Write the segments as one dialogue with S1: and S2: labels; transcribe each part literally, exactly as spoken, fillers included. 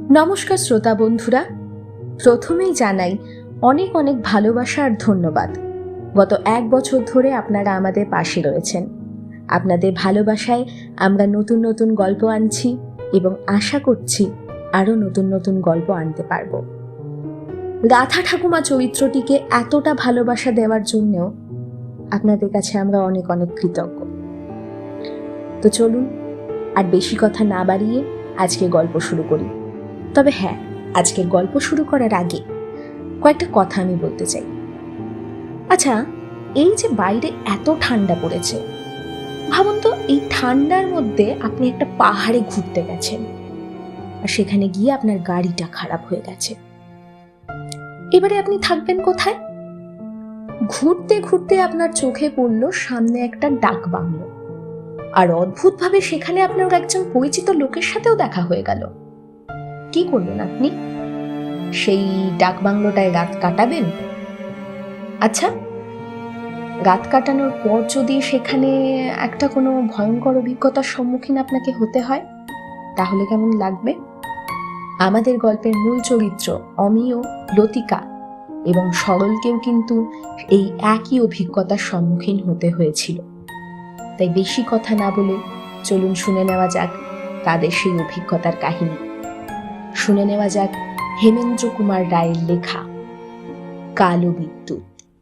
S1: নমস্কার শ্রোতা বন্ধুরা, প্রথমেই জানাই অনেক অনেক ভালোবাসা আর ধন্যবাদ। গত এক বছর ধরে আপনারা আমাদের পাশে রয়েছেন। আপনাদের ভালোবাসায় আমরা নতুন নতুন গল্প আনছি এবং আশা করছি আরও নতুন নতুন গল্প আনতে পারব। রাধা ঠাকুমা চরিত্রটিকে এতটা ভালোবাসা দেওয়ার জন্যও আপনাদের কাছে আমরা অনেক অনেক কৃতজ্ঞ। তো চলুন আর বেশি কথা না বাড়িয়ে আজকে গল্প শুরু করি। তবে হ্যাঁ, আজকের গল্প শুরু করার আগে কয়েকটা কথা আমি বলতে চাই। আচ্ছা, এই যে বাইরে এত ঠান্ডা পড়েছে, ভাবুন তো এই ঠান্ডার মধ্যে আপনি একটা পাহাড়ে ঘুরতে গেছেন আর সেখানে গিয়ে আপনার গাড়িটা খারাপ হয়ে গেছে। এবারে আপনি থাকবেন কোথায়? ঘুরতে ঘুরতে আপনার চোখে পড়ল সামনে একটা ডাক বাংলো, আর অদ্ভুতভাবে সেখানে আপনার একজন পরিচিত লোকের সাথেও দেখা হয়ে গেল। কি করবেন আপনি? সেই ডাক বাংলোটায় রাত কাটাবেন? আচ্ছা, রাত কাটানোর পর যদি সেখানে একটা কোনো ভয়ঙ্কর অভিজ্ঞতার সম্মুখীন আপনাকে হতে হয়, তাহলে কেমন লাগবে? আমাদের গল্পের মূল চরিত্র অমিয়, লতিকা এবং সরলকেও কিন্তু এই একই অভিজ্ঞতার সম্মুখীন হতে হয়েছিল। তাই বেশি কথা না বলে চলুন শুনে নেওয়া যাক তাদের সেই অভিজ্ঞতার কাহিনী। শুনে নেওয়া যাক হেমেন্দ্র কুমার রায়ের লেখা কালো বিদ্যুৎ।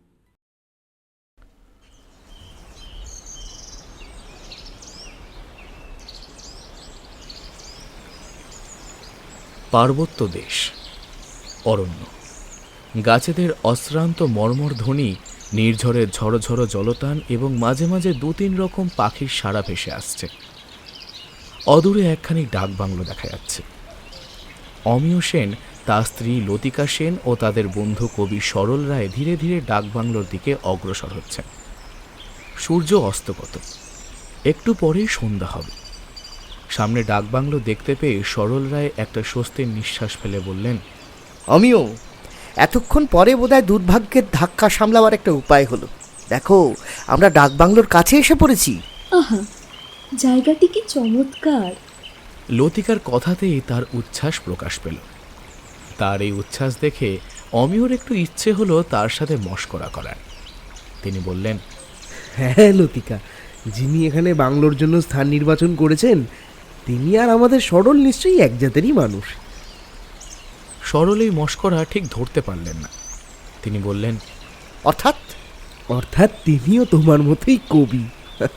S2: পার্বত্য দেশ, অরণ্য, গাছেদের অশ্রান্ত মর্মর ধ্বনি, নির্ঝরের ঝড়ো ঝড়ো জলতান এবং মাঝে মাঝে দু তিন রকম পাখির সাড়া ভেসে আসছে। অদূরে একখানি ডাক বাংলো দেখা যাচ্ছে। অমিয় সেন, তার স্ত্রী লতিকা সেন ও তাদের বন্ধু কবি সরল রায় ধীরে ধীরে ডাক বাংলোর দিকে অগ্রসর হচ্ছেন। সূর্য অস্তগত, একটু পরেই সন্ধ্যা হবে। সামনে ডাক বাংলো দেখতে পেয়ে সরল রায় একটা স্বস্তির নিঃশ্বাস ফেলে বললেন,
S3: আমিও এতক্ষণ পরে বোধহয় দুর্ভাগ্যের ধাক্কা সামলাবার একটা উপায় হলো। দেখো, আমরা ডাক বাংলোর কাছে এসে পড়েছি।
S1: আহা, জায়গাটি কি চমৎকার!
S2: লতিকার কথাতেই তার উচ্ছ্বাস প্রকাশ পেল। তার এই উচ্ছ্বাস দেখে অমিয়র একটু ইচ্ছে হলো তার সাথে মশকরা করার। তিনি বললেন,
S4: হ্যাঁ লতিকা, যিনি এখানে বাংলোর জন্য স্থান নির্বাচন করেছেন তিনি আর আমাদের সরল নিশ্চয়ই এক জাতেরই মানুষ।
S2: সরল এই মশকরা ঠিক ধরতে পারলেন না। তিনি বললেন,
S3: অর্থাৎ
S4: অর্থাৎ তিনিও তোমার মতোই কবি।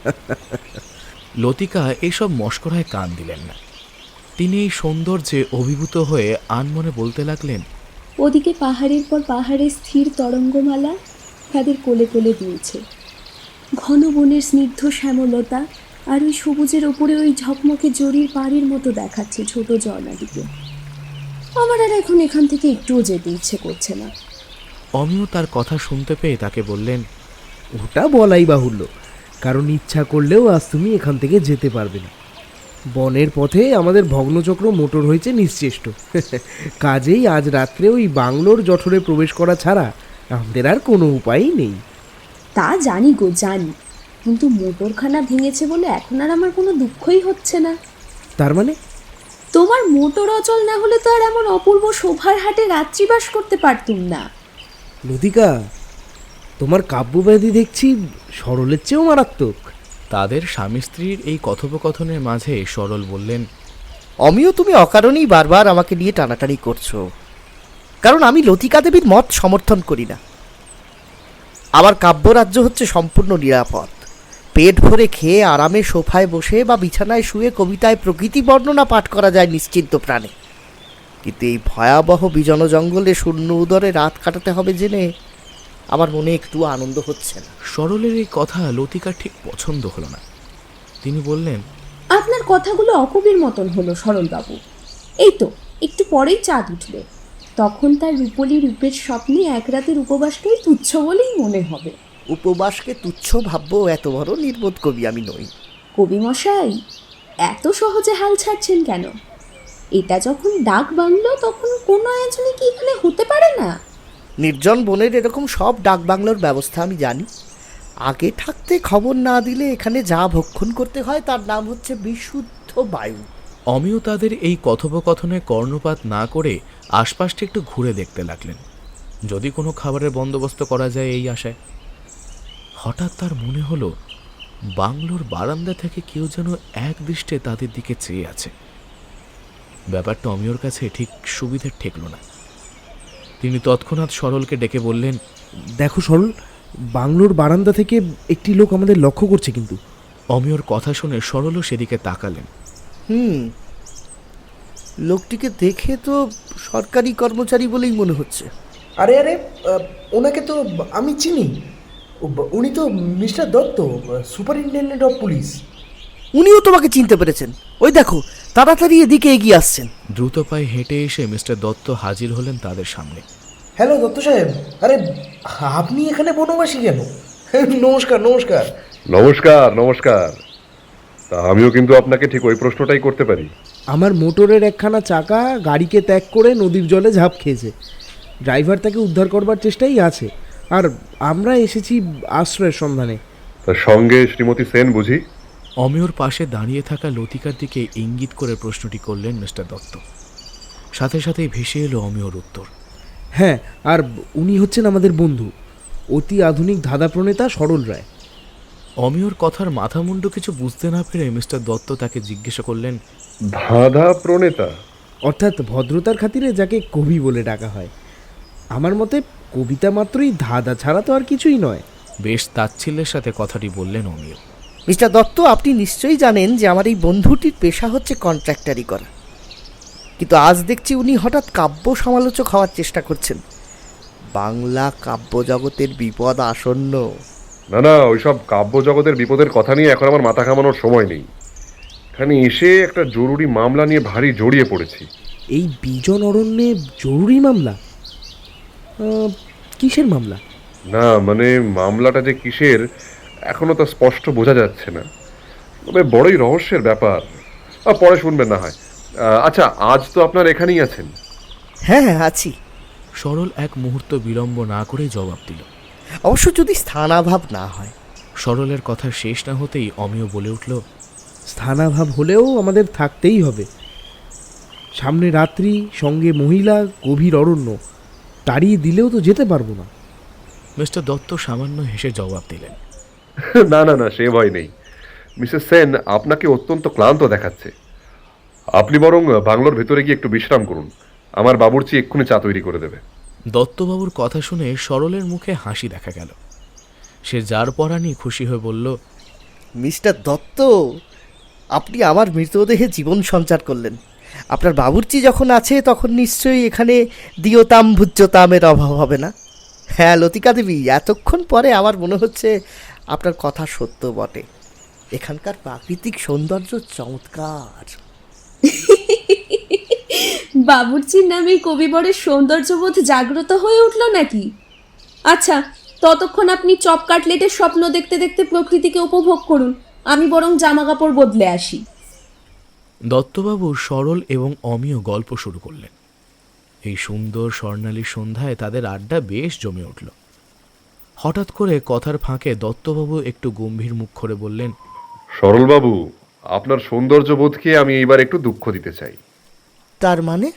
S2: লতিকা এইসব মশকরায় কান দিলেন না। তিনি এই সৌন্দর্যে অভিভূত হয়ে আনমনে বলতে লাগলেন,
S5: ওদিকে পাহাড়ের পর পাহাড়ে স্থির তরঙ্গমালা তাদের কোলে কোলে দুলছে। ঘন বনের স্নিগ্ধ শ্যামলতা আর ওই সবুজের ওপরে ওই ঝকমকে জরির পাড়ির মতো দেখাচ্ছে ছোট ঝর্ণাটিকে। আমার আর এখন এখান থেকে একটুও যেতে ইচ্ছে করছে না।
S2: অমিয় তার কথা শুনতে পেয়ে তাকে বললেন,
S4: ওটা বলাই বাহুল্য, কারণ ইচ্ছা করলেও আজ তুমি এখান থেকে যেতে পারবে না। বনের পথে আমাদের ভগ্নচক্র মোটর হয়েছে নিশ্চেষ্ট। কাজেই আজ রাত্রে ওই বাংলোর জঠরে প্রবেশ করা ছাড়া আমাদের আর কোনো উপায়ই নেই।
S5: তা জানি গো, জানি, কিন্তু মোটরখানা ভেঙেছে বলে এখন আর আমার কোনো দুঃখই হচ্ছে না।
S4: তার মানে?
S5: তোমার মোটর অচল না হলে তো আর এমন অপূর্ব শোভার হাটে রাত্রিবাস করতে পারতুম না।
S4: লতিকা, তোমার কাব্যব্যাধি দেখছি সরলের চেয়েও মারাত্মক।
S2: তাদের স্বামী স্ত্রীর এই কথোপকথনের মাঝে সরল বললেন,
S3: অমিও তুমি অকারণেই বারবার আমাকে নিয়ে টানাটানি করছো, কারণ আমি লতিকা দেবীর মত সমর্থন করি না। আমার কাব্যরাজ্য হচ্ছে সম্পূর্ণ নিরাপদ। পেট ভরে খেয়ে আরামে সোফায় বসে বা বিছানায় শুয়ে কবিতায় প্রকৃতি বর্ণনা পাঠ করা যায় নিশ্চিন্ত প্রাণে। কিন্তু এই ভয়াবহ বিজন জঙ্গলে শূন্য উদরে রাত কাটাতে হবে জেনে আমার মনে একটু আনন্দ হচ্ছে না।
S2: সরলের এই কথা লতিকার ঠিক পছন্দ হলো না। তিনি বললেন,
S5: আপনার কথাগুলো অকবির মতন হলো সরলবাবু। এই তো একটু পরেই চাঁদ উঠবে, তখন তার রূপলি রূপের স্বপ্নে এক রাতের উপবাসকেই তুচ্ছ বলেই মনে হবে।
S3: উপবাসকে তুচ্ছ ভাববো এত বড় নির্বোধ কবি আমি নই।
S5: কবি মশাই, এত সহজে হাল ছাড়ছেন কেন? এটা যখন ডাক বাংলো তখন কোনো আয়োজনে কি এখানে হতে পারে না?
S3: নির্জন বনের এরকম সব ডাক বাংলোর ব্যবস্থা আমি জানি। আগে থাকতে খবর না দিলে এখানে যা ভক্ষণ করতে হয় তার নাম হচ্ছে বিশুদ্ধ বায়ু।
S2: অমিয় তাদের এই কথোপকথনে কর্ণপাত না করে আশপাশটা একটু ঘুরে দেখতে লাগলেন, যদি কোনো খাবারের বন্দোবস্ত করা যায় এই আশায়। হঠাৎ তার মনে হলো বাংলোর বারান্দা থেকে কেউ যেন এক দৃষ্টে তাদের দিকে চেয়ে আছে। ব্যাপারটা অমিয়র কাছে ঠিক সুবিধের ঠেকল না। তিনি তৎক্ষণাৎ সরলকে ডেকে বললেন,
S4: দেখো সরল, বাংলোর বারান্দা থেকে একটি লোক আমাদের লক্ষ্য করছে কিন্তু।
S2: অমিয়র কথা শুনে সরলও সেদিকে তাকালেন।
S3: হুম, লোকটিকে দেখে তো সরকারি কর্মচারী বলেই মনে হচ্ছে।
S6: আরে আরে আহ, ওনাকে তো আমি চিনি। উ- উনি তো mister Dutta, superintendent of police.
S3: উনিও তোমাকে চিনতে পেরেছেন। ওই দেখো, তাড়াতাড়ি এদিকে এগিয়ে আসছেন।
S2: দ্রুত পায়ে হেঁটে এসে মিস্টার দত্ত হাজির হলেন তাদের সামনে।
S6: হ্যালো দত্ত সাহেব, আরে আপনি এখানে বনবাসী কেন? নমস্কার নমস্কার।
S7: নমস্কার নমস্কার। তা আমিও কিন্তু আপনাকে ঠিক ওই প্রশ্নটাই করতে পারি।
S4: আমার মোটরের একখানা চাকা গাড়িকে ত্যাগ করে নদীর জলে ঝাঁপ খেয়েছে। ড্রাইভার তাকে উদ্ধার করবার চেষ্টাই আছে, আর আমরা এসেছি আশ্রয়ের সন্ধানে।
S7: তার সঙ্গে শ্রীমতী সেন বুঝি?
S2: অমিয়র পাশে দাঁড়িয়ে থাকা লতিকার দিকে ইঙ্গিত করে প্রশ্নটি করলেন মিস্টার দত্ত। সাথে সাথেই ভেসে এলো অমিয়র উত্তর।
S4: হ্যাঁ, আর উনি হচ্ছেন আমাদের বন্ধু, অতি আধুনিক ধাঁধা প্রণেতা সরল রায়।
S2: অমিয়র কথার মাথামুন্ডু কিছু বুঝতে না পেরে মিস্টার দত্ত তাকে জিজ্ঞাসা করলেন,
S7: ধাঁধা প্রণেতা?
S4: অর্থাৎ ভদ্রতার খাতিরে যাকে কবি বলে ডাকা হয়। আমার মতে কবিতা মাত্রই ধাঁধা ছাড়া তো আর কিছুই নয়।
S2: বেশ তাচ্ছিল্যের সাথে কথাটি বললেন অমিয়।
S3: মিস্টার দত্ত, আপনি নিশ্চয়ই জানেন যে আমার এই বন্ধুটির পেশা হচ্ছে কন্ট্রাক্টারি করা, কিন্তু আজ দেখছি উনি হঠাৎ কাব্য সমালোচক হওয়ার চেষ্টা করছেন। বাংলা কাব্য জগতের বিপদ আসন্ন।
S7: না না, ওইসব কাব্য জগতের বিপদের কথা নিয়ে এখন আমার মাথা ঘামানোর সময় নেই। এখানে এসে একটা জরুরি মামলা নিয়ে ভারী জড়িয়ে পড়েছি।
S4: এই বিজন অরণ্যে জরুরি মামলা? আহ, কিসের মামলা?
S7: না মানে মামলাটা যে কিসের এখনো তা স্পষ্ট বোঝা যাচ্ছে না, তবে বড়ই রহস্যের ব্যাপার। আর পরে শুনবেন না হয়। আহ, আচ্ছা, আজ তো আপনার এখানেই আছেন?
S3: হ্যাঁ হ্যাঁ আছি।
S2: সরল এক মুহূর্ত বিলম্ব না করে জবাব দিল।
S3: অবশ্য যদি স্থানাভাব না হয়।
S2: সরলের কথা শেষ না হতেই অমিয় বলে উঠল,
S4: স্থানাভাব হলেও আমাদের থাকতেই হবে। সামনে রাত্রি, সঙ্গে মহিলা, গভীর অরণ্য, তাড়িয়ে দিলেও তো যেতে পারবো না।
S2: মিস্টার দত্ত সামান্য হেসে জবাব দিলেন,
S7: না না না, সে ভয় নেই। মিসেস সেন আপনাকে অত্যন্ত ক্লান্ত দেখাচ্ছে। আপনি বরং বাংলোর ভেতরে গিয়ে একটু বিশ্রাম করুন। আমার বাবুর্চি এক্ষুনি চা তৈরি করে দেবে।
S2: দত্তবাবুর কথা শুনে সরলের মুখে হাসি দেখা গেল। সে যার পরানি খুশি হয়ে বলল,
S3: মিস্টার দত্ত, আপনি আমার মৃতদেহে জীবন সঞ্চার করলেন। আপনার বাবুর্চি যখন আছে তখন নিশ্চয়ই এখানে দিয়তাম ভুজ্যতামের অভাব হবে না। হ্যাঁ লতিকা দেবী, এতক্ষণ পরে আমার মনে হচ্ছে আপনার কথা সত্য বটে। এখানকার প্রাকৃতিক সৌন্দর্য চমৎকার।
S5: বাবুর্চির নামে কবিবরের সৌন্দর্যবোধ জাগ্রত হয়ে উঠল নাকি? আচ্ছা, ততক্ষণ আপনি চপ কাটলেটের স্বপ্ন দেখতে দেখতে প্রকৃতিকে উপভোগ করুন, আমি বরং জামা কাপড় বদলে আসি।
S2: দত্তবাবু সরল এবং অমিয় গল্প শুরু করলেন। এই সুন্দর স্বর্ণালী সন্ধ্যায় তাদের আড্ডা বেশ জমে উঠল। হঠাৎ করে কথার ফাঁকে দত্তবাবু একটু গম্ভীর মুখ করে বললেন,
S7: সরলবাবু, আপনার সৌন্দর্য বোধকে আমি এইবার একটু দুঃখ দিতে চাই।
S3: তার মানে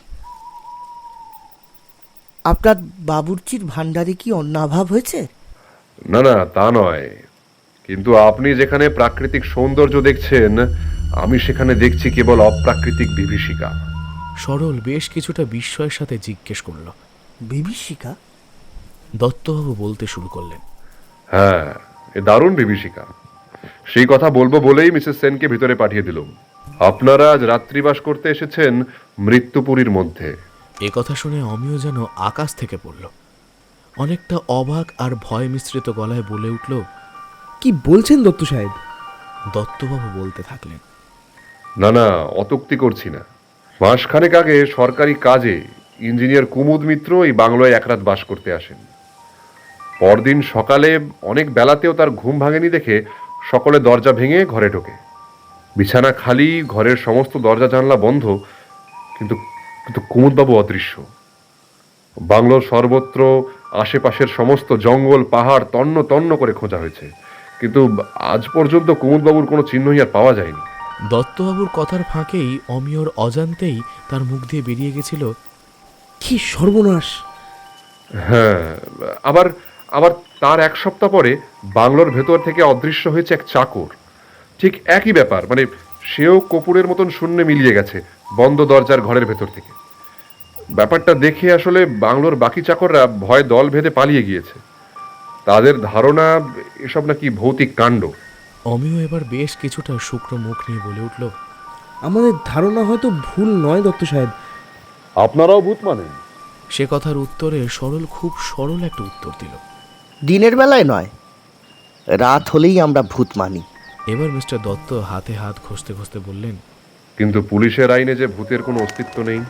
S3: আপনার বাবুর্চির ভাণ্ডারে কি অন্নাভাব হয়েছে?
S7: না না, তা নয়, কিন্তু আপনি যেখানে প্রাকৃতিক সৌন্দর্য দেখছেন, আমি সেখানে দেখছি কেবল অপ্রাকৃতিক বিভীষিকা।
S2: সরল বেশ কিছুটা বিস্ময়ের সাথে জিজ্ঞেস করল।
S3: বিভীষিকা?
S2: দত্তবাবু বলতে শুরু করলেন,
S7: হ্যাঁ, এ দারুণ বিভীষিকা। সেই কথা বলবো বলেই মিসেস সেনকে ভিতরে পাঠিয়ে দিলুম। আপনারা আজ রাত্রিবাস করতে এসেছেন মৃত্যুপুরীর মধ্যে।
S2: এ কথা শুনে অমিয় যেন আকাশ থেকে পড়ল। অনেকটা অবাক আর ভয় মিশ্রিত গলায় বলে উঠল,
S4: কি বলছেন দত্ত সাহেব?
S2: দত্তবাবু বলতে থাকলেন,
S7: না না, অত্যুক্তি করছি না। মাসখানেক আগে সরকারি কাজে ইঞ্জিনিয়ার কুমুদ মিত্র এই বাংলোয় এক রাত বাস করতে আসেন। পরদিন সকালে অনেক বেলাতেও তার ঘুম ভাঙেনি দেখে সকলে দরজা ভেঙে ঘরে ঢোকে। বিছানা খালি, ঘরের সমস্ত দরজা জানলা বন্ধ, কিন্তু কিন্তু কুমুদবাবু অদৃশ্য। বাংলোর সর্বত্র, আশেপাশের সমস্ত জঙ্গল পাহাড় তন্ন তন্ন করে খোঁজা হয়েছে, কিন্তু আজ পর্যন্ত কুমুদবাবুর কোনো চিহ্নই আর পাওয়া যায়নি।
S2: দত্তবাবুর কথার ফাঁকেই অমিয়র অজান্তেই তার মুখ দিয়ে বেরিয়ে গেছিল,
S4: কি সর্বনাশ!
S7: হ্যাঁ, আবার আবার তার এক সপ্তাহ পরে বাংলোর ভেতর থেকে অদৃশ্য হয়েছে এক চাকর। ঠিক একই ব্যাপার, মানে সেও কপুরের মতন শূন্যে মিলিয়ে গেছে বন্ধ দরজার ঘরের ভেতর থেকে। ব্যাপারটা দেখে আসলে বাংলোর বাকি চাকররা ভয় দল ভেদে পালিয়ে গিয়েছে। তাদের ধারণা এসব নাকি ভৌতিক কাণ্ড।
S2: অমিয় এবার বেশ কিছুটা শুকনো মুখ নিয়ে বলে উঠল,
S4: আমাদের ধারণা হয়তো ভুল নয় দত্ত সাহেব।
S7: আপনারাও ভূত মানেন?
S2: সে কথার উত্তরে সরল খুব সরল একটা উত্তর দিল।
S3: দিনের বেলায় নয়, রাত হলেই আমরা ভূত মানি।
S2: এবার মিস্টার দত্ত হাতে হাত ঘষতে ঘষতে বললেন,
S7: কিন্তু পুলিশের আইনে যে ভূতের কোনো অস্তিত্ব নেই।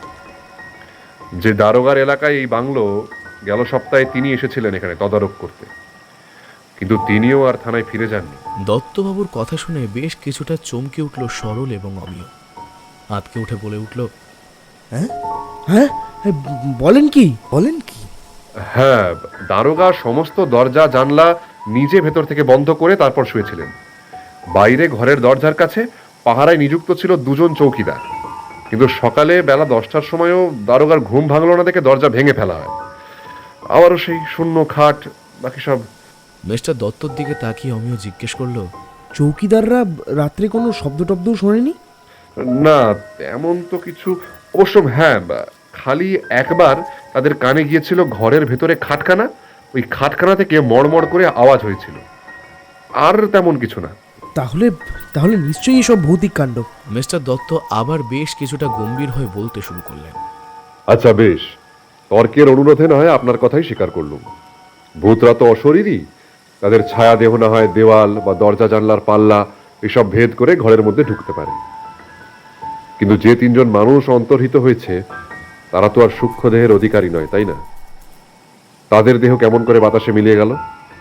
S7: যে দারোগার এলাকায় এই বাংলো, গেল সপ্তাহে তিনি এসেছিলেন এখানে তদারক করতে, কিন্তু তিনিও আর থানায় ফিরে যাননি।
S2: দত্তবাবুর কথা শুনে বেশ কিছুটা চমকে উঠল সরল এবং অমিয়। আতকে উঠে বলে উঠল,
S4: হ্যাঁ হ্যাঁ, বলেন কি বলেন কি
S7: হ্যাঁ, দারোগা সমস্ত দরজা জানলা নিজে ভেতর থেকে বন্ধ করে তারপর শুয়েছিলেন। বাইরে ঘরের দরজার কাছে পাহারায় নিযুক্ত ছিল দুজন চৌকিদার, কিন্তু সকালে বেলা দশটার সময়ও দারোগার ঘুম ভাঙলো না দেখে দরজা ভেঙে ফেলা হয়। আবারও সেই শূন্য খাট, বাকি সব।
S2: মিস্টার দত্তর দিকে তাকিয়ে অমিয় জিজ্ঞেস করল,
S4: চৌকিদাররা রাত্রে কোনো শব্দ টব্দও শোনেনি?
S7: না, তেমন তো কিছু। অবশ্য হ্যাঁ, খালি একবার তাদের কানে গিয়েছিল ঘরের ভেতরে খাটখানা, ওই খাটখানা থেকে মড়মড় করে আওয়াজ হয়েছিল, আর তেমন কিছু না।
S4: তাহলে তাহলে নিশ্চয়ই এসব ভৌতিক কাণ্ড।
S2: মিস্টার দত্ত আবার বেশ কিছুটা গম্ভীর হয়ে বলতে শুরু করলেন,
S7: আচ্ছা বেশ, তর্কের অনুরোধে না হয় আপনার কথাই স্বীকার করলুম। ভূতরা তো অশরীরী, তাদের ছায়া দেহ না হয় দেওয়াল বা দরজা জানলার পাল্লা এসব ভেদ করে ঘরের মধ্যে ঢুকতে পারে। কিন্তু যে তিনজন মানুষ অন্তর্হিত হয়েছে তারা তো আর সূক্ষ্ম দেহের অধিকারী নয়, তাই না? তাদের দেহ কেমন করে বাতাসে মিলিয়ে গেল?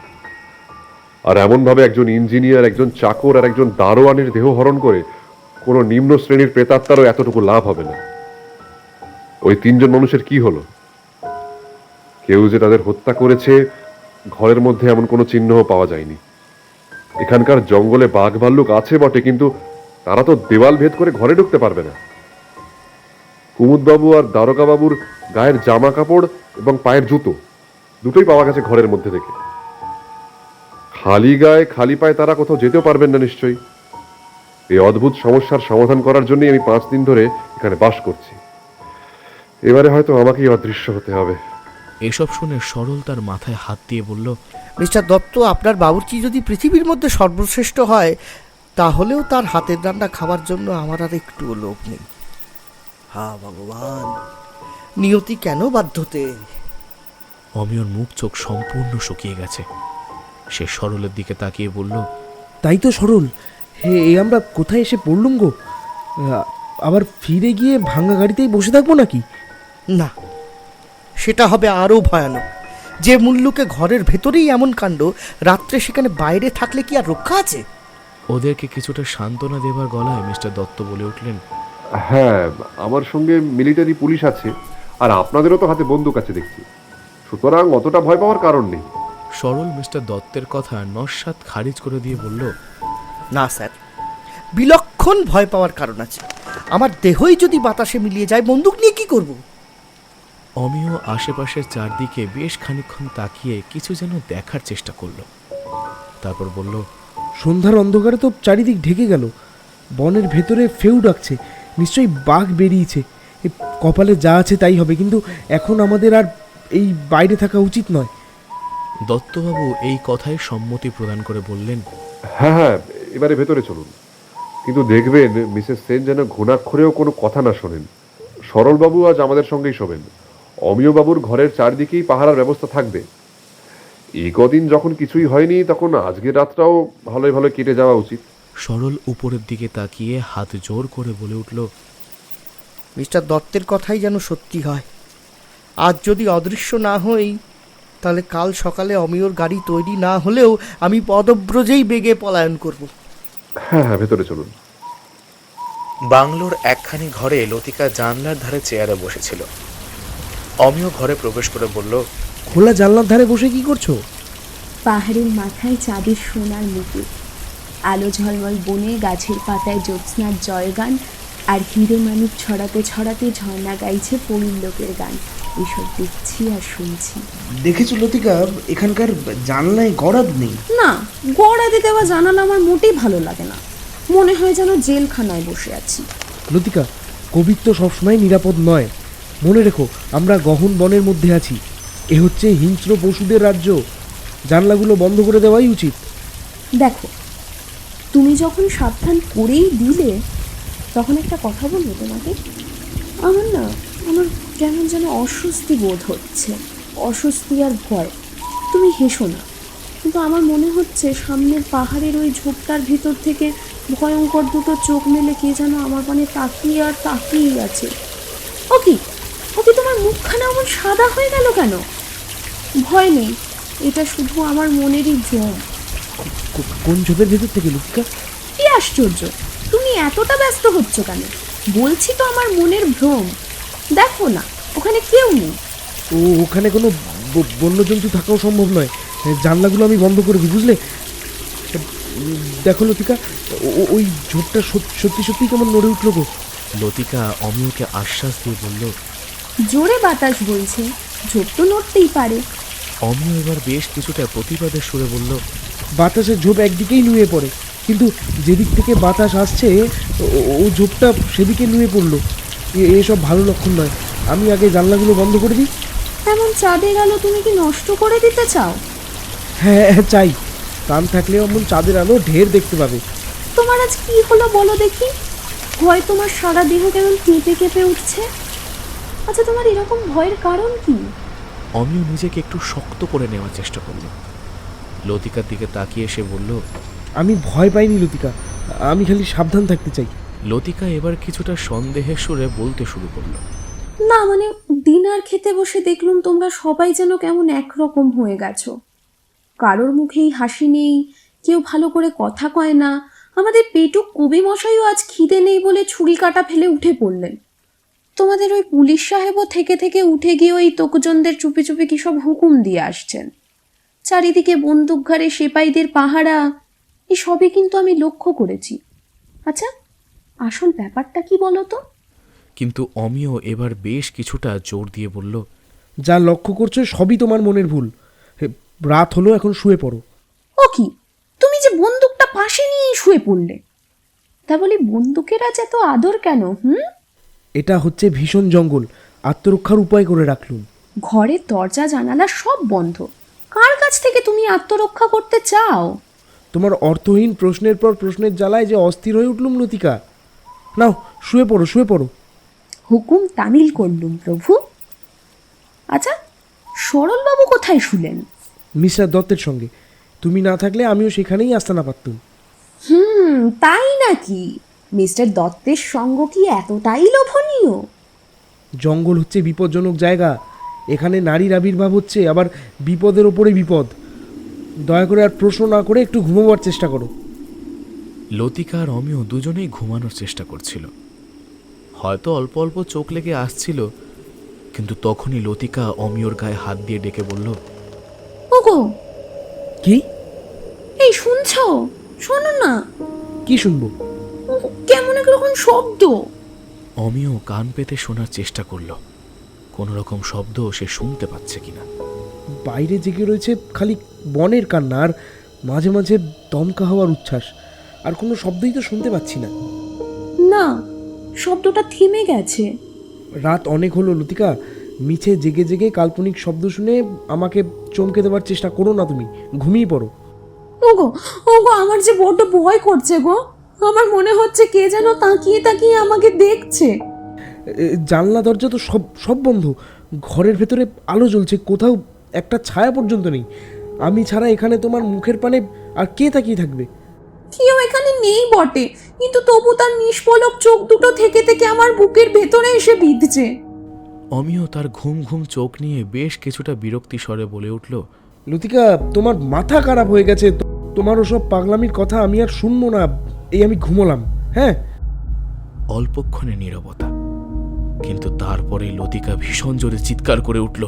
S7: আর এমন ভাবে একজন ইঞ্জিনিয়ার, একজন চাকর আর একজন দারোয়ানের দেহ হরণ করে কোনো নিম্ন শ্রেণীর প্রেতাত্মারও এতটুকু লাভ হবে না। ওই তিনজন মানুষের কি হলো? কেউ যে তাদের হত্যা করেছে ঘরের মধ্যে এমন কোনো চিহ্নও পাওয়া যায়নি। এখানকার জঙ্গলে বাঘ ভাল্লুক আছে বটে, কিন্তু তারা তো দেওয়াল ভেদ করে ঘরে ঢুকতে পারবে না। কুমুদবাবু আর দারোগা বাবুর গায়ের জামা কাপড় এবং পায়ের জুতো দুটোই পাওয়া গেছে ঘরের মধ্যে থেকে। খালি গায়ে খালি পায়ে তারা কোথাও যেতেও পারবেন না নিশ্চয়ই। এই অদ্ভুত সমস্যার সমাধান করার জন্যই আমি পাঁচ দিন ধরে এখানে বাস করছি। এবারে হয়তো আমাকেই অদৃশ্য হতে হবে।
S2: এসব শুনে সরল তার মাথায় হাত দিয়ে বলল,
S3: মিস্টার দত্ত, আপনার বাবুর্চি যদি পৃথিবীর মধ্যে সর্বশ্রেষ্ঠ হয়, তাহলেও তার হাতের রান্না খাওয়ার জন্য আমার আর একটুও লোভ নেই। হা ভগবান, নিয়তি কেন বাধ্যতে!
S2: অমিয়র মুখ চোখ সম্পূর্ণ শুকিয়ে গেছে। সে সরলের দিকে তাকিয়ে বলল,
S4: তাই তো সরল, হে এ আমরা কোথায় এসে পড়লুম গো? আ, আবার ফিরে গিয়ে ভাঙা গাড়িতেই বসে থাকবো নাকি?
S3: না, সেটা হবে আরও ভয়ানক। যে মুল্লুকে ঘরের ভেতরেই এমন কাণ্ড, রাত্রে সেখানে বাইরে থাকলে কি আর রক্ষা আছে?
S2: ওদেরকে কিছুটা সান্ত্বনা দেবার গলায় মিস্টার দত্ত বলে উঠলেন,
S7: হ্যাঁ, আমার সঙ্গে মিলিটারি পুলিশ আছে, আর আপনাদেরও তো হাতে বন্দুক আছে দেখছি, সুতরাং অতটা ভয় পাওয়ার কারণ নেই।
S2: সরল মিস্টার দত্তের কথা নস্বাত খারিজ করে দিয়ে বলল,
S3: না স্যার, বিলক্ষণ ভয় পাওয়ার কারণ আছে। আমার দেহই যদি বাতাসে মিলিয়ে যায়, বন্দুক নিয়ে কি করব?
S2: অমিয় আশেপাশের চারদিকে বেশ খানিকক্ষণ তাকিয়ে কিছু যেন দেখার চেষ্টা করলো। তারপর বলল,
S4: সন্ধ্যার অন্ধকারে তো চারিদিক ঢেকে গেল, বনের ভেতরে ফেউ ডাকছে, নিশ্চয়ই বাঘ বেরিয়েছে। এ কপালে যা আছে তাই হবে, কিন্তু এখন আমাদের আর এই বাইরে থাকা উচিত নয়।
S2: দত্তবাবু এই কথায় সম্মতি প্রদান করে বললেন,
S7: হ্যাঁ হ্যাঁ, এবারে ভেতরে চলুন, কিন্তু দেখবেন মিসেস সেন যেন ঘুণাক্ষরেও কোনো কথা না শোনেন। সরলবাবু আজ আমাদের সঙ্গেই শোবেন। অমিয় বাবুর ঘরের চারদিকেই পাহারার ব্যবস্থা থাকবে। এই কদিন যখন কিছুই হয়নি, তখন আজকের রাতটাও ভালোই ভালো কেটে যাওয়া উচিত।
S2: সরল উপরের দিকে তাকিয়ে হাত জোর করে বলে উঠল,
S3: মিস্টার দত্তের কথাই যেন সত্যি হয়। আজ যদি অদৃশ্য না হই, তাহলে কাল সকালে অমিয়র গাড়ি তৈরি না হলেও আমি পদব্রজেই বেগে পলায়ন করব।
S7: হ্যাঁ হ্যাঁ, ভেতরে চলুন।
S2: বাংলোর একখানি ঘরে লতিকা জানলার ধারে চেয়ারে বসেছিল। অমিয় ঘরে প্রবেশ করে বলল,
S4: খোলা জানলার ধারে বসে কি করছো?
S5: পাহাড়ের মাথায় চাঁদের সোনার মুকুট, আলো ঝলমল বনে গাছের পাতায় জ্যোৎস্নার জয়গান, আর হিরে মানিক ছড়াতে ছড়াতে ঝর্ণা গাইছে পরীর লোকের গান। এসব দেখছি আর শুনছি।
S6: দেখেছো লতিকা, এখানকার জানলায় গরাদ নেই।
S5: না, গড়াতে দেওয়া জানালা আমার মোটেই ভালো লাগে না, মনে হয় যেন জেলখানায় বসে আছি।
S4: লতিকা, কবিত্ব সবসময় নিরাপদ নয়। মনে রেখো, আমরা গহন বনের মধ্যে আছি। এ হচ্ছে হিংস্র পশুদের রাজ্য। জানলাগুলো বন্ধ করে দেওয়াই উচিত।
S5: দেখো, তুমি যখন সাবধান করেই দিলে, তখন একটা কথা বলবো তোমাকে। আমার না আমার কেমন যেন অস্বস্তি বোধ হচ্ছে, অস্বস্তি আর ভয়। তুমি হেসো না, কিন্তু আমার মনে হচ্ছে সামনের পাহাড়ের ওই ঝোপটার ভিতর থেকে ভয়ঙ্কর দুটো চোখ মেলে কে যেন আমার পানে তাকিয়ে আর তাকিয়েই আছে। ও কি ও কি তোমার মুখখানা এমন সাদা হয়ে গেল কেন? ভয় নেই, এটা শুধু আমার মনেরই ভ্রম।
S4: কো- কোন ঝোপের ভেতর থেকে লতিকা?
S5: কি আশ্চর্য, তুমি এতটা ব্যস্ত হচ্ছ কেন? বলছি তো আমার মনের ভ্রম। দেখো না, ওখানে কেউ নেই।
S4: ও, ওখানে কোনো ব- বন্যজন্তু থাকাও সম্ভব নয়। জানলাগুলো আমি বন্ধ করে দিই, বুঝলে? উম, দেখো লতিকা, ও- ও- ওই ঝোপটা সত- সত্যি সত্যি কেমন নড়ে উঠলো গো।
S2: লতিকা অমিয়কে আশ্বাস দিয়ে বলল।
S5: জোরে বাতাস বইছে, ঝোপ তো নড়তেই পারে।
S2: অমিয় এবার বেশ কিছুটা প্রতিবাদের সুরে বলল।
S4: বাতাসের ঝোপ একদিকেই নুয়ে পড়ে, কিন্তু যেদিক থেকে বাতাস আসছে ও- ও- ও ঝোপটা সেদিকে নুয়ে পড়লো। এ- এসব ভালো লক্ষণ নয়। আমি আগে জানলাগুলো বন্ধ করে দিই।
S5: এমন চাঁদের আলো তুমি কি নষ্ট করে দিতে চাও?
S4: হ্যাঁ হ্যাঁ, চাই। কান থাকলে এমন চাঁদের আলো ঢের দেখতে পাবে।
S5: তোমার আজ কি হলো বলো দেখি? ভয় তোমার সারা দেহ কেমন কেঁপে কেঁপে উঠছে। আচ্ছা, তোমার এরকম ভয়ের কারণ কি?
S2: অমিয় নিজেকে একটু শক্ত করে নেওয়ার চেষ্টা করল। লতিকার দিকে তাকিয়ে সে বলল।
S4: আমি ভয় পাইনি লতিকা, আমি খালি সাবধান থাকতে চাই।
S2: লতিকা এবার কিছুটা সন্দেহের সুরে বলতে শুরু করলো।
S5: না মানে, ডিনার খেতে বসে দেখলুম তোমরা সবাই যেন কেমন একরকম হয়ে গেছো। কারোর মুখেই হাসি নেই, কেউ ভালো করে কথা কয় না। আমাদের পেটুক কবি মশাইও আজ খিদে নেই বলে ছুরি কাটা ফেলে উঠে পড়লেন। তোমাদের ওই পুলিশ সাহেবও থেকে থেকে উঠে গিয়ে ওই তোকজনদের চুপি চুপি কি সব হুকুম দিয়ে আসছেন। চারিদিকে বন্দুক ঘাড়ে সেপাইদের পাহারা, এই সবই কিন্তু আমি লক্ষ্য করেছি। আচ্ছা, আসল ব্যাপারটা কি বলো তো?
S2: কিন্তু অমিয় এবার বেশ কিছুটা জোর দিয়ে বলল।
S4: যা লক্ষ্য করছো সবই তোমার মনের ভুল। হে, রাত হলো, এখন শুয়ে পড়ো।
S5: ও কি, তুমি যে বন্দুকটা পাশে নিয়ে শুয়ে পড়লে, তা বলি বন্দুকের আজ এত আদর কেন? হুম,
S4: এটা হচ্ছে ভীষণ জঙ্গল, আত্মরক্ষার উপায় করে রাখলুম।
S5: ঘরের দরজা জানালা সব বন্ধ, কার কাছ থেকে তুমি আত্মরক্ষা করতে চাও?
S4: তোমার অর্থহীন প্রশ্নের পর প্রশ্নের জ্বালায় যে অস্থির হয়ে উঠলুম লতিকা। নাও, শুয়ে পড়ো শুয়ে পড়ো।
S5: হুকুম তামিল করলুম প্রভু। আচ্ছা, সরলবাবু কোথায় শুলেন?
S4: মিস্টার দত্তের সঙ্গে। তুমি না থাকলে আমিও সেখানেই আস্তানা পারতুম।
S5: হুম, তাই নাকি? মিস্টার দত্তের সঙ্গ কি এতটাই লোভনীয়?
S4: জঙ্গল হচ্ছে বিপজ্জনক জায়গা। এখানে নারীর আবির্ভাব হচ্ছে, আবার বিপদের ওপরে বিপদ। দয়া করে আর প্রশ্ন না করে একটু ঘুমোবার চেষ্টা করো।
S2: লতিকা আর অমিয় দুজনেই ঘুমানোর চেষ্টা করছিল। হয়তো অল্প অল্প চোখ লেগে আসছিল, কিন্তু তখনই লতিকা অমিয়র গায়ে হাত দিয়ে ডেকে বলল।
S5: ওগো,
S4: কি?
S5: এই শুনছো? শোনো না,
S4: কি শুনবো?
S5: কেমন একরকম শব্দ।
S2: অমিয় কান পেতে শোনার চেষ্টা করল, কোনো রকম শব্দ সে শুনতে পাচ্ছে কিনা।
S4: বাইরে জেগে রয়েছে খালি বনের কান্না আর মাঝে মাঝে দমকা হওয়ার উচ্ছ্বাস। আর কোনো শব্দই তো শুনতে পাচ্ছি না।
S5: না, শব্দটা থেমে গেছে।
S4: রাত অনেক হলো লতিকা, মিছে জেগে জেগে কাল্পনিক শব্দ শুনে আমাকে চমকে দেওয়ার চেষ্টা করো না। তুমি ঘুমিয়ে পড়ো।
S5: ওগো ওগো, আমার যে বড্ড ভয় করছে গো। আমার মনে হচ্ছে কে যেন তাকিয়ে তাকিয়ে আমাকে দেখছে।
S4: এ, জানলা দরজা তো সব সব বন্ধ। ঘরের ভেতরে আলো জ্বলছে, কোথাও একটা ছায়া পর্যন্ত নেই। আমি ছাড়া এখানে তোমার মুখের পানে আর কে তাকিয়ে থাকবে?
S5: কেউ এখানে নেই বটে, কিন্তু তবু তার নিষ্পলক চোখ দুটো থেকে থেকে আমার বুকের ভেতরে এসে বিঁধছে।
S2: অমিয় তার ঘুম ঘুম চোখ নিয়ে বেশ কিছুটা বিরক্তি স্বরে বলে উঠল।
S4: লতিকা, তোমার মাথা খারাপ হয়ে গেছে। তো- তোমার ওসব পাগলামির কথা আমি আর শুনবো না। এই আমি ঘুমোলাম। হ্যাঁ।
S2: অল্পক্ষণে নীরবতা, কিন্তু তারপরে লতিকা ভীষণ জোরে চিৎকার করে উঠল।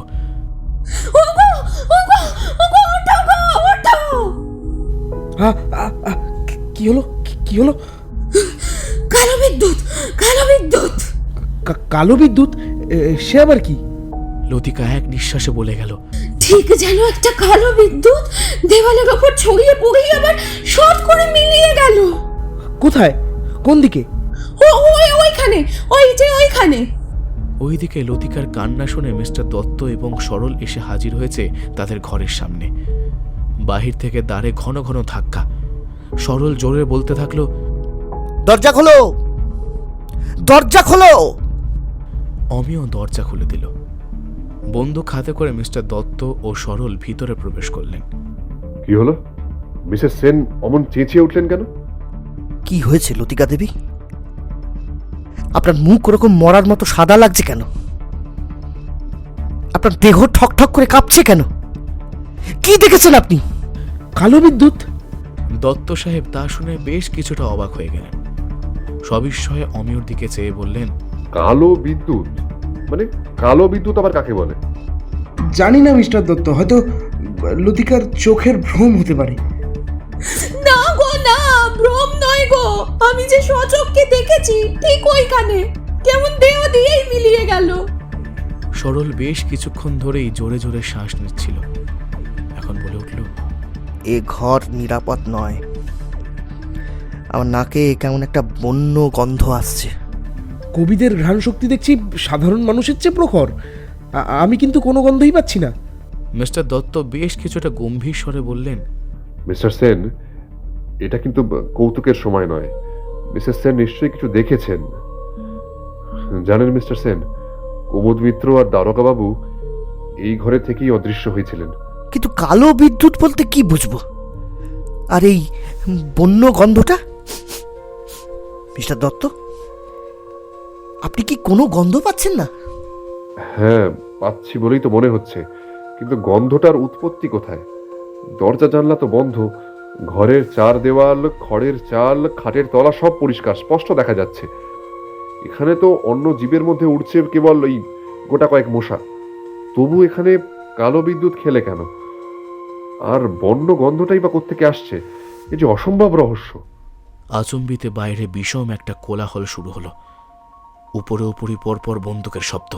S5: ওগো ওগো ওগো, ওঠো গো, ওঠো।
S4: আ, আ, আ, কি কি হলো কি- কি হলো?
S5: কালো বিদ্যুৎ, কালো বিদ্যুৎ।
S4: কা- কালো বিদ্যুৎ? এ, সে আবার কি?
S2: লতিকা এক নিঃশ্বাসে বলে গেল,
S5: ঠিক যেন একটা কালো বিদ্যুৎ দেওয়ালের ওপর ছড়িয়ে পড়েই আবার শর্ট করে মিলিয়ে গেল।
S4: কোথায়? কোন দিকে?
S5: ও ওই ওইখানে, ওই যে ওইখানে।
S2: ওইদিকে লতিকার কান্না শুনে মিস্টার দত্ত এবং সরল এসে হাজির হয়েছে তাদের ঘরের সামনে। বাহির থেকে দ্বারে ঘন ঘন ধাক্কা। সরল জোরে বলতে থাকলো,
S3: দরজা খোলো, দরজা খোলো।
S2: অমিয় দরজা খুলে দিল। বন্দুক হাতে করে মিস্টার দত্ত ও সরল ভিতরে প্রবেশ করলেন।
S7: কি হলো? মিসেস সেন অমন চেঁচিয়ে উঠলেন কেন?
S3: কি হয়েছে লতিকা দেবী? আপনার মুখ ওরকম মরার মতো সাদা লাগছে কেন? আপনার দেহ ঠক ঠক করে কাঁপছে কেন? কি দেখেছেন আপনি?
S4: কালো বিদ্যুৎ?
S2: দত্ত সাহেব তা শুনে বেশ কিছুটা অবাক হয়ে গেলেন। সবিস্ময়ে অমিয়র দিকে চেয়ে বললেন,
S7: কালো বিদ্যুৎ? মানে কালো বিদ্যুৎ আবার কাকে বলে?
S6: জানি না মিস্টার দত্ত, হয়তো লতিকার চোখের ভ্রম হতে পারে।
S5: না গো না, ভ্রম নয় গো, আমি যে সচক্ষে দেখেছি ঠিক ওইখানে, কেমন দেহ দিয়েই মিলিয়ে গেল।
S2: সরল বেশ কিছুক্ষণ ধরেই জোরে জোরে শ্বাস নিচ্ছিল। এখন বলে উঠল,
S3: এ ঘর নিরাপদ নয়। আমার নাকে কেমন একটা বন্য গন্ধ আসছে।
S4: কবিদের ঘ্রাণ শক্তি দেখছি সাধারণ মানুষের চেয়ে প্রখর। আ- আমি কিন্তু কোনো গন্ধই পাচ্ছি না।
S2: মিস্টার দত্ত বেশ কিছুটা গম্ভীর স্বরে বললেন,
S7: মিস্টার সেন, এটা কিন্তু কৌতুকের সময় নয়। মিসেস সেন নিশ্চয়ই কিছু দেখেছেন। জানেন মিস্টার সেন, কুমুদ মিত্র আর দারোগা বাবু এই ঘরে থেকেই অদৃশ্য হয়েছিলেন।
S3: কিন্তু কালো বিদ্যুৎ বলতে কি বুঝবো? আর এই বন্য গন্ধটা? মিস্টার দত্ত, আপনি কি কোনো গন্ধ পাচ্ছেন না?
S7: হ্যাঁ, পাচ্ছি বলেই তো মনে হচ্ছে, কিন্তু গন্ধটার উৎপত্তি কোথায়? দরজা জানলা তো বন্ধ, ঘরের চার দেওয়াল, খড়ের চাল, খাটের তলা সব পরিষ্কার, স্পষ্ট দেখা যাচ্ছে। এখানে তো অন্য জীবের মধ্যে উঠছে কেবল ওই গোটা কয়েক মশা। তবু এখানে কালো বিদ্যুৎ খেলে কেন? আর বন্য গন্ধটাই বা কোত্থেকে আসছে? এ যে অসম্ভব রহস্য।
S2: আচম্বিতে বাইরে বিষম একটা কোলাহল শুরু হলো। উপরে উপরই পরপর বন্দুকের শব্দ।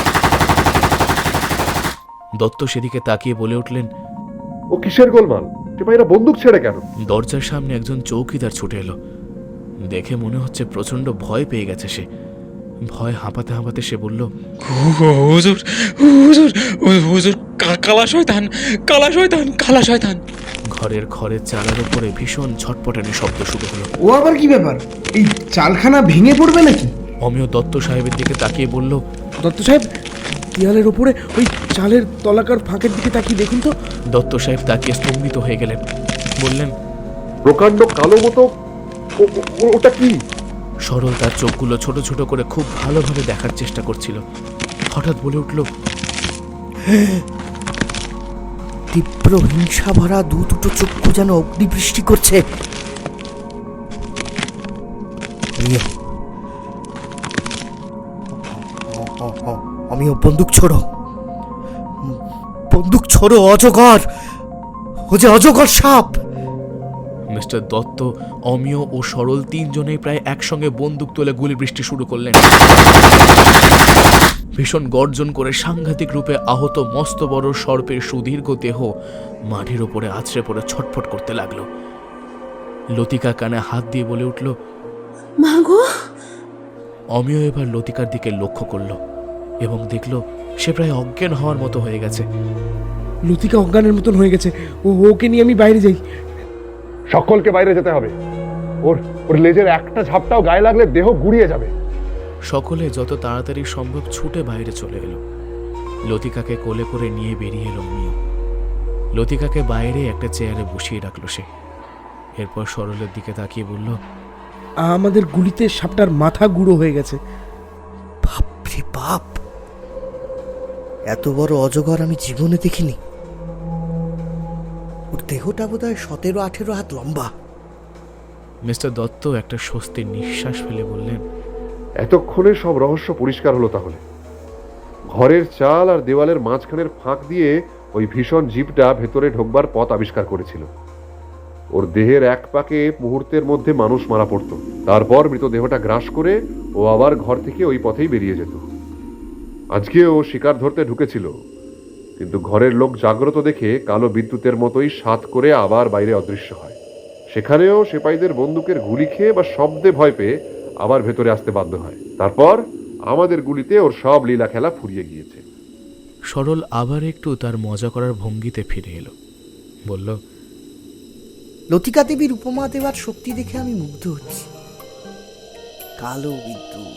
S2: দত্ত সেদিকে তাকিয়ে বলে উঠলেন,
S7: ও কিসের গোলমাল? যে ভাইরা বন্দুক ছেড়ে কেন?
S2: দরজার সামনে একজন চৌকিদার ছুটে এলো। দেখে মনে হচ্ছে প্রচন্ড ভয় পেয়ে গেছে সে। ভয় হাঁপাতে হাঁপাতে সে বলল,
S8: হুজুর হুজুর হুজুর কা- কালা শয়তান, কালা শয়তান, কালা শয়তান।
S2: ঘরের খড়ের চালার উপরে ভীষণ ঝটপটানি শব্দ শুরু হলো।
S6: ও আবার কি ব্যাপার? এই চালখানা ভেঙে পড়বে নাকি?
S2: অমিয় দত্ত সাহেবের দিকে তাকিয়ে বলল,
S4: দত্ত সাহেব, দেয়ালের ওপরে ওই চালের তলাকার ফাঁকের দিকে তাকিয়ে দেখুন তো।
S2: দত্ত সাহেব তাকিয়ে স্তম্ভিত হয়ে গেলেন। বললেন,
S7: প্রকাণ্ড কালো মতো ও- ও- ওটা কি?
S2: সরল তার চোখগুলো ছোট ছোট করে খুব ভালোভাবে দেখার চেষ্টা করছিল। হঠাৎ বলে উঠল,
S3: তীব্র হিংসা ভরা দু দুটো চক্ষু যেন অগ্নিবৃষ্টি করছে। নিয়ে। অ- অ- অ- আমিও বন্দুক ছোড়ো, বন্দুক ছোড়ো অজগর, ও যে অজগর সাপ।
S2: মিস্টার দত্ত, অমিয় ও সরল তিনজনেই প্রায় একসঙ্গে বন্দুক তুলে গুলি বৃষ্টি শুরু করলেন। ভীষণ গর্জন করে সাংঘাতিক রূপে আহত মস্ত বড় সর্পের সুদীর্ঘ দেহ মাটির ওপরে আছড়ে পড়ে ছটফট করতে লাগলো। লতিকা কানে হাত দিয়ে বলে উঠল,
S5: মা গো।
S2: অমিয় এবার লতিকার দিকে লক্ষ্য করল এবং দেখল সে প্রায় অজ্ঞান হওয়ার মতো হয়ে গেছে।
S4: লতিকা অজ্ঞানের মতন হয়ে গেছে। ও ওকে নিয়ে আমি বাইরে যাই।
S7: সকলকে বাইরে যেতে হবে। ওর ওর লেজের একটা ঝাপটাও গায়ে লাগলে দেহ গুড়িয়ে যাবে।
S2: সকলে যত তাড়াতাড়ি সম্ভব ছুটে বাইরে চলে এলো। লতিকাকে কোলে করে নিয়ে বেরিয়ে এলো অমিয়। লতিকাকে বাইরে একটা চেয়ারে বসিয়ে রাখলো সে। এরপর সরলের দিকে তাকিয়ে বলল,
S4: আমাদের গুলিতে সাপটার মাথা গুঁড়ো হয়ে গেছে।
S3: বাপরে বাপ, এত বড় অজগর আমি জীবনে দেখিনি। ওর দেহটা বোধ হয় সতেরো আঠেরো হাত লম্বা।
S2: মিস্টার দত্ত একটা স্বস্তির নিঃশ্বাস ফেলে বললেন,
S7: এতক্ষণে সব রহস্য পরিষ্কার হলো তাহলে। ঘরের চাল আর দেওয়ালের মাঝখানের ফাঁক দিয়ে ওই ভীষণ জীবটা ভেতরে ঢোকবার পথ আবিষ্কার করেছিল। ওর দেহের এক পাকে মুহূর্তের মধ্যে মানুষ মারা পড়তো, তারপর মৃতদেহটা গ্রাস করে ও আবার ঘর থেকে ওই পথেই বেরিয়ে যেত। আজকে ও শিকার ধরতে ঢুকেছিল, কিন্তু ঘরের লোক জাগ্রত দেখে কালো বিদ্যুতের মতোই সাত করে আবার বাইরে অদৃশ্য হয়। সেখানেও সেপাইদের বন্দুকের গুলি খেয়ে বা শব্দে ভয় পেয়ে আবার ভেতরে আসতে বাধ্য হয়। তারপর আমাদের গুলিতে ওর সব লীলা খেলা ফুরিয়ে গিয়েছে।
S2: সরল আবার একটু তার মজা করার ভঙ্গিতে ফিরে এলো, বলল,
S3: লতিকা দেবীর উপমা দেওয়ার শক্তি দেখে আমি মুগ্ধ হচ্ছি। কালো বিদ্যুৎ,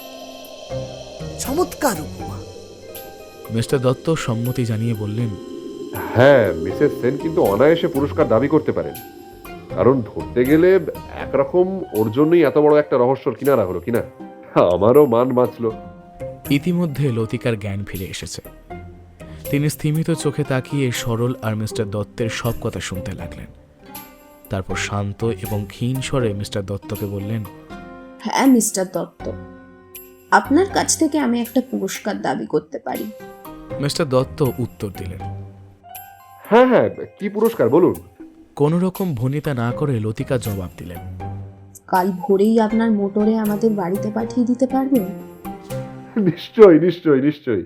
S3: চমৎকার উপমা।
S2: মিস্টার দত্ত সম্মতি জানিয়ে বললেন,
S7: হ্যাঁ, মিসেস সেন কিন্তু অনায়াসে পুরস্কার দাবি করতে পারেন, কারণ ধরতে গেলে একরকম ওর জন্যই এত বড় একটা রহস্যর কিনারা হলো কিনা। আমারও মান বাঁচল।
S2: ইতিমধ্যে লতিকার জ্ঞান ফিরে এসেছে। তিনি স্থিমিত চোখে তাকিয়ে সরল আর মিস্টার দত্তের সব কথা শুনতে লাগলেন। তারপর শান্ত এবং ক্ষীণ স্বরে মিস্টার দত্তকে বললেন,
S5: হ্যাঁ মিস্টার দত্ত, আপনার কাছ থেকে আমি একটা পুরস্কার দাবি করতে পারি।
S2: মিস্টার দত্ত উত্তর দিলেন,
S7: হ্যাঁ হ্যাঁ, কি পুরস্কার বলুন।
S2: কোনো রকম ভনিতা না করে লতিকা জবাব দিলেন,
S5: কাল ভোরেই আপনার মোটরে আমাদের বাড়িতে পাঠিয়ে দিতে পারবেন?
S7: নিশ্চয়ই নিশ্চয়ই নিশ্চয়ই।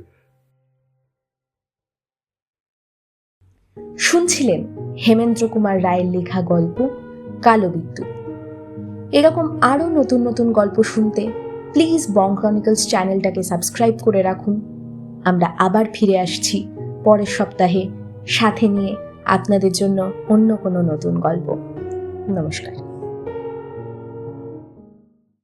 S1: শুনছিলেন হেমেন্দ্র কুমার রায়ের লেখা গল্প কালো বিদ্যুৎ। এরকম আরও নতুন নতুন গল্প শুনতে প্লিজ বং ক্রনিকলস চ্যানেলটাকে সাবস্ক্রাইব করে রাখুন। আমরা আবার ফিরে আসছি পরের সপ্তাহে, সাথে নিয়ে আপনাদের জন্য অন্য কোনো নতুন গল্প। নমস্কার।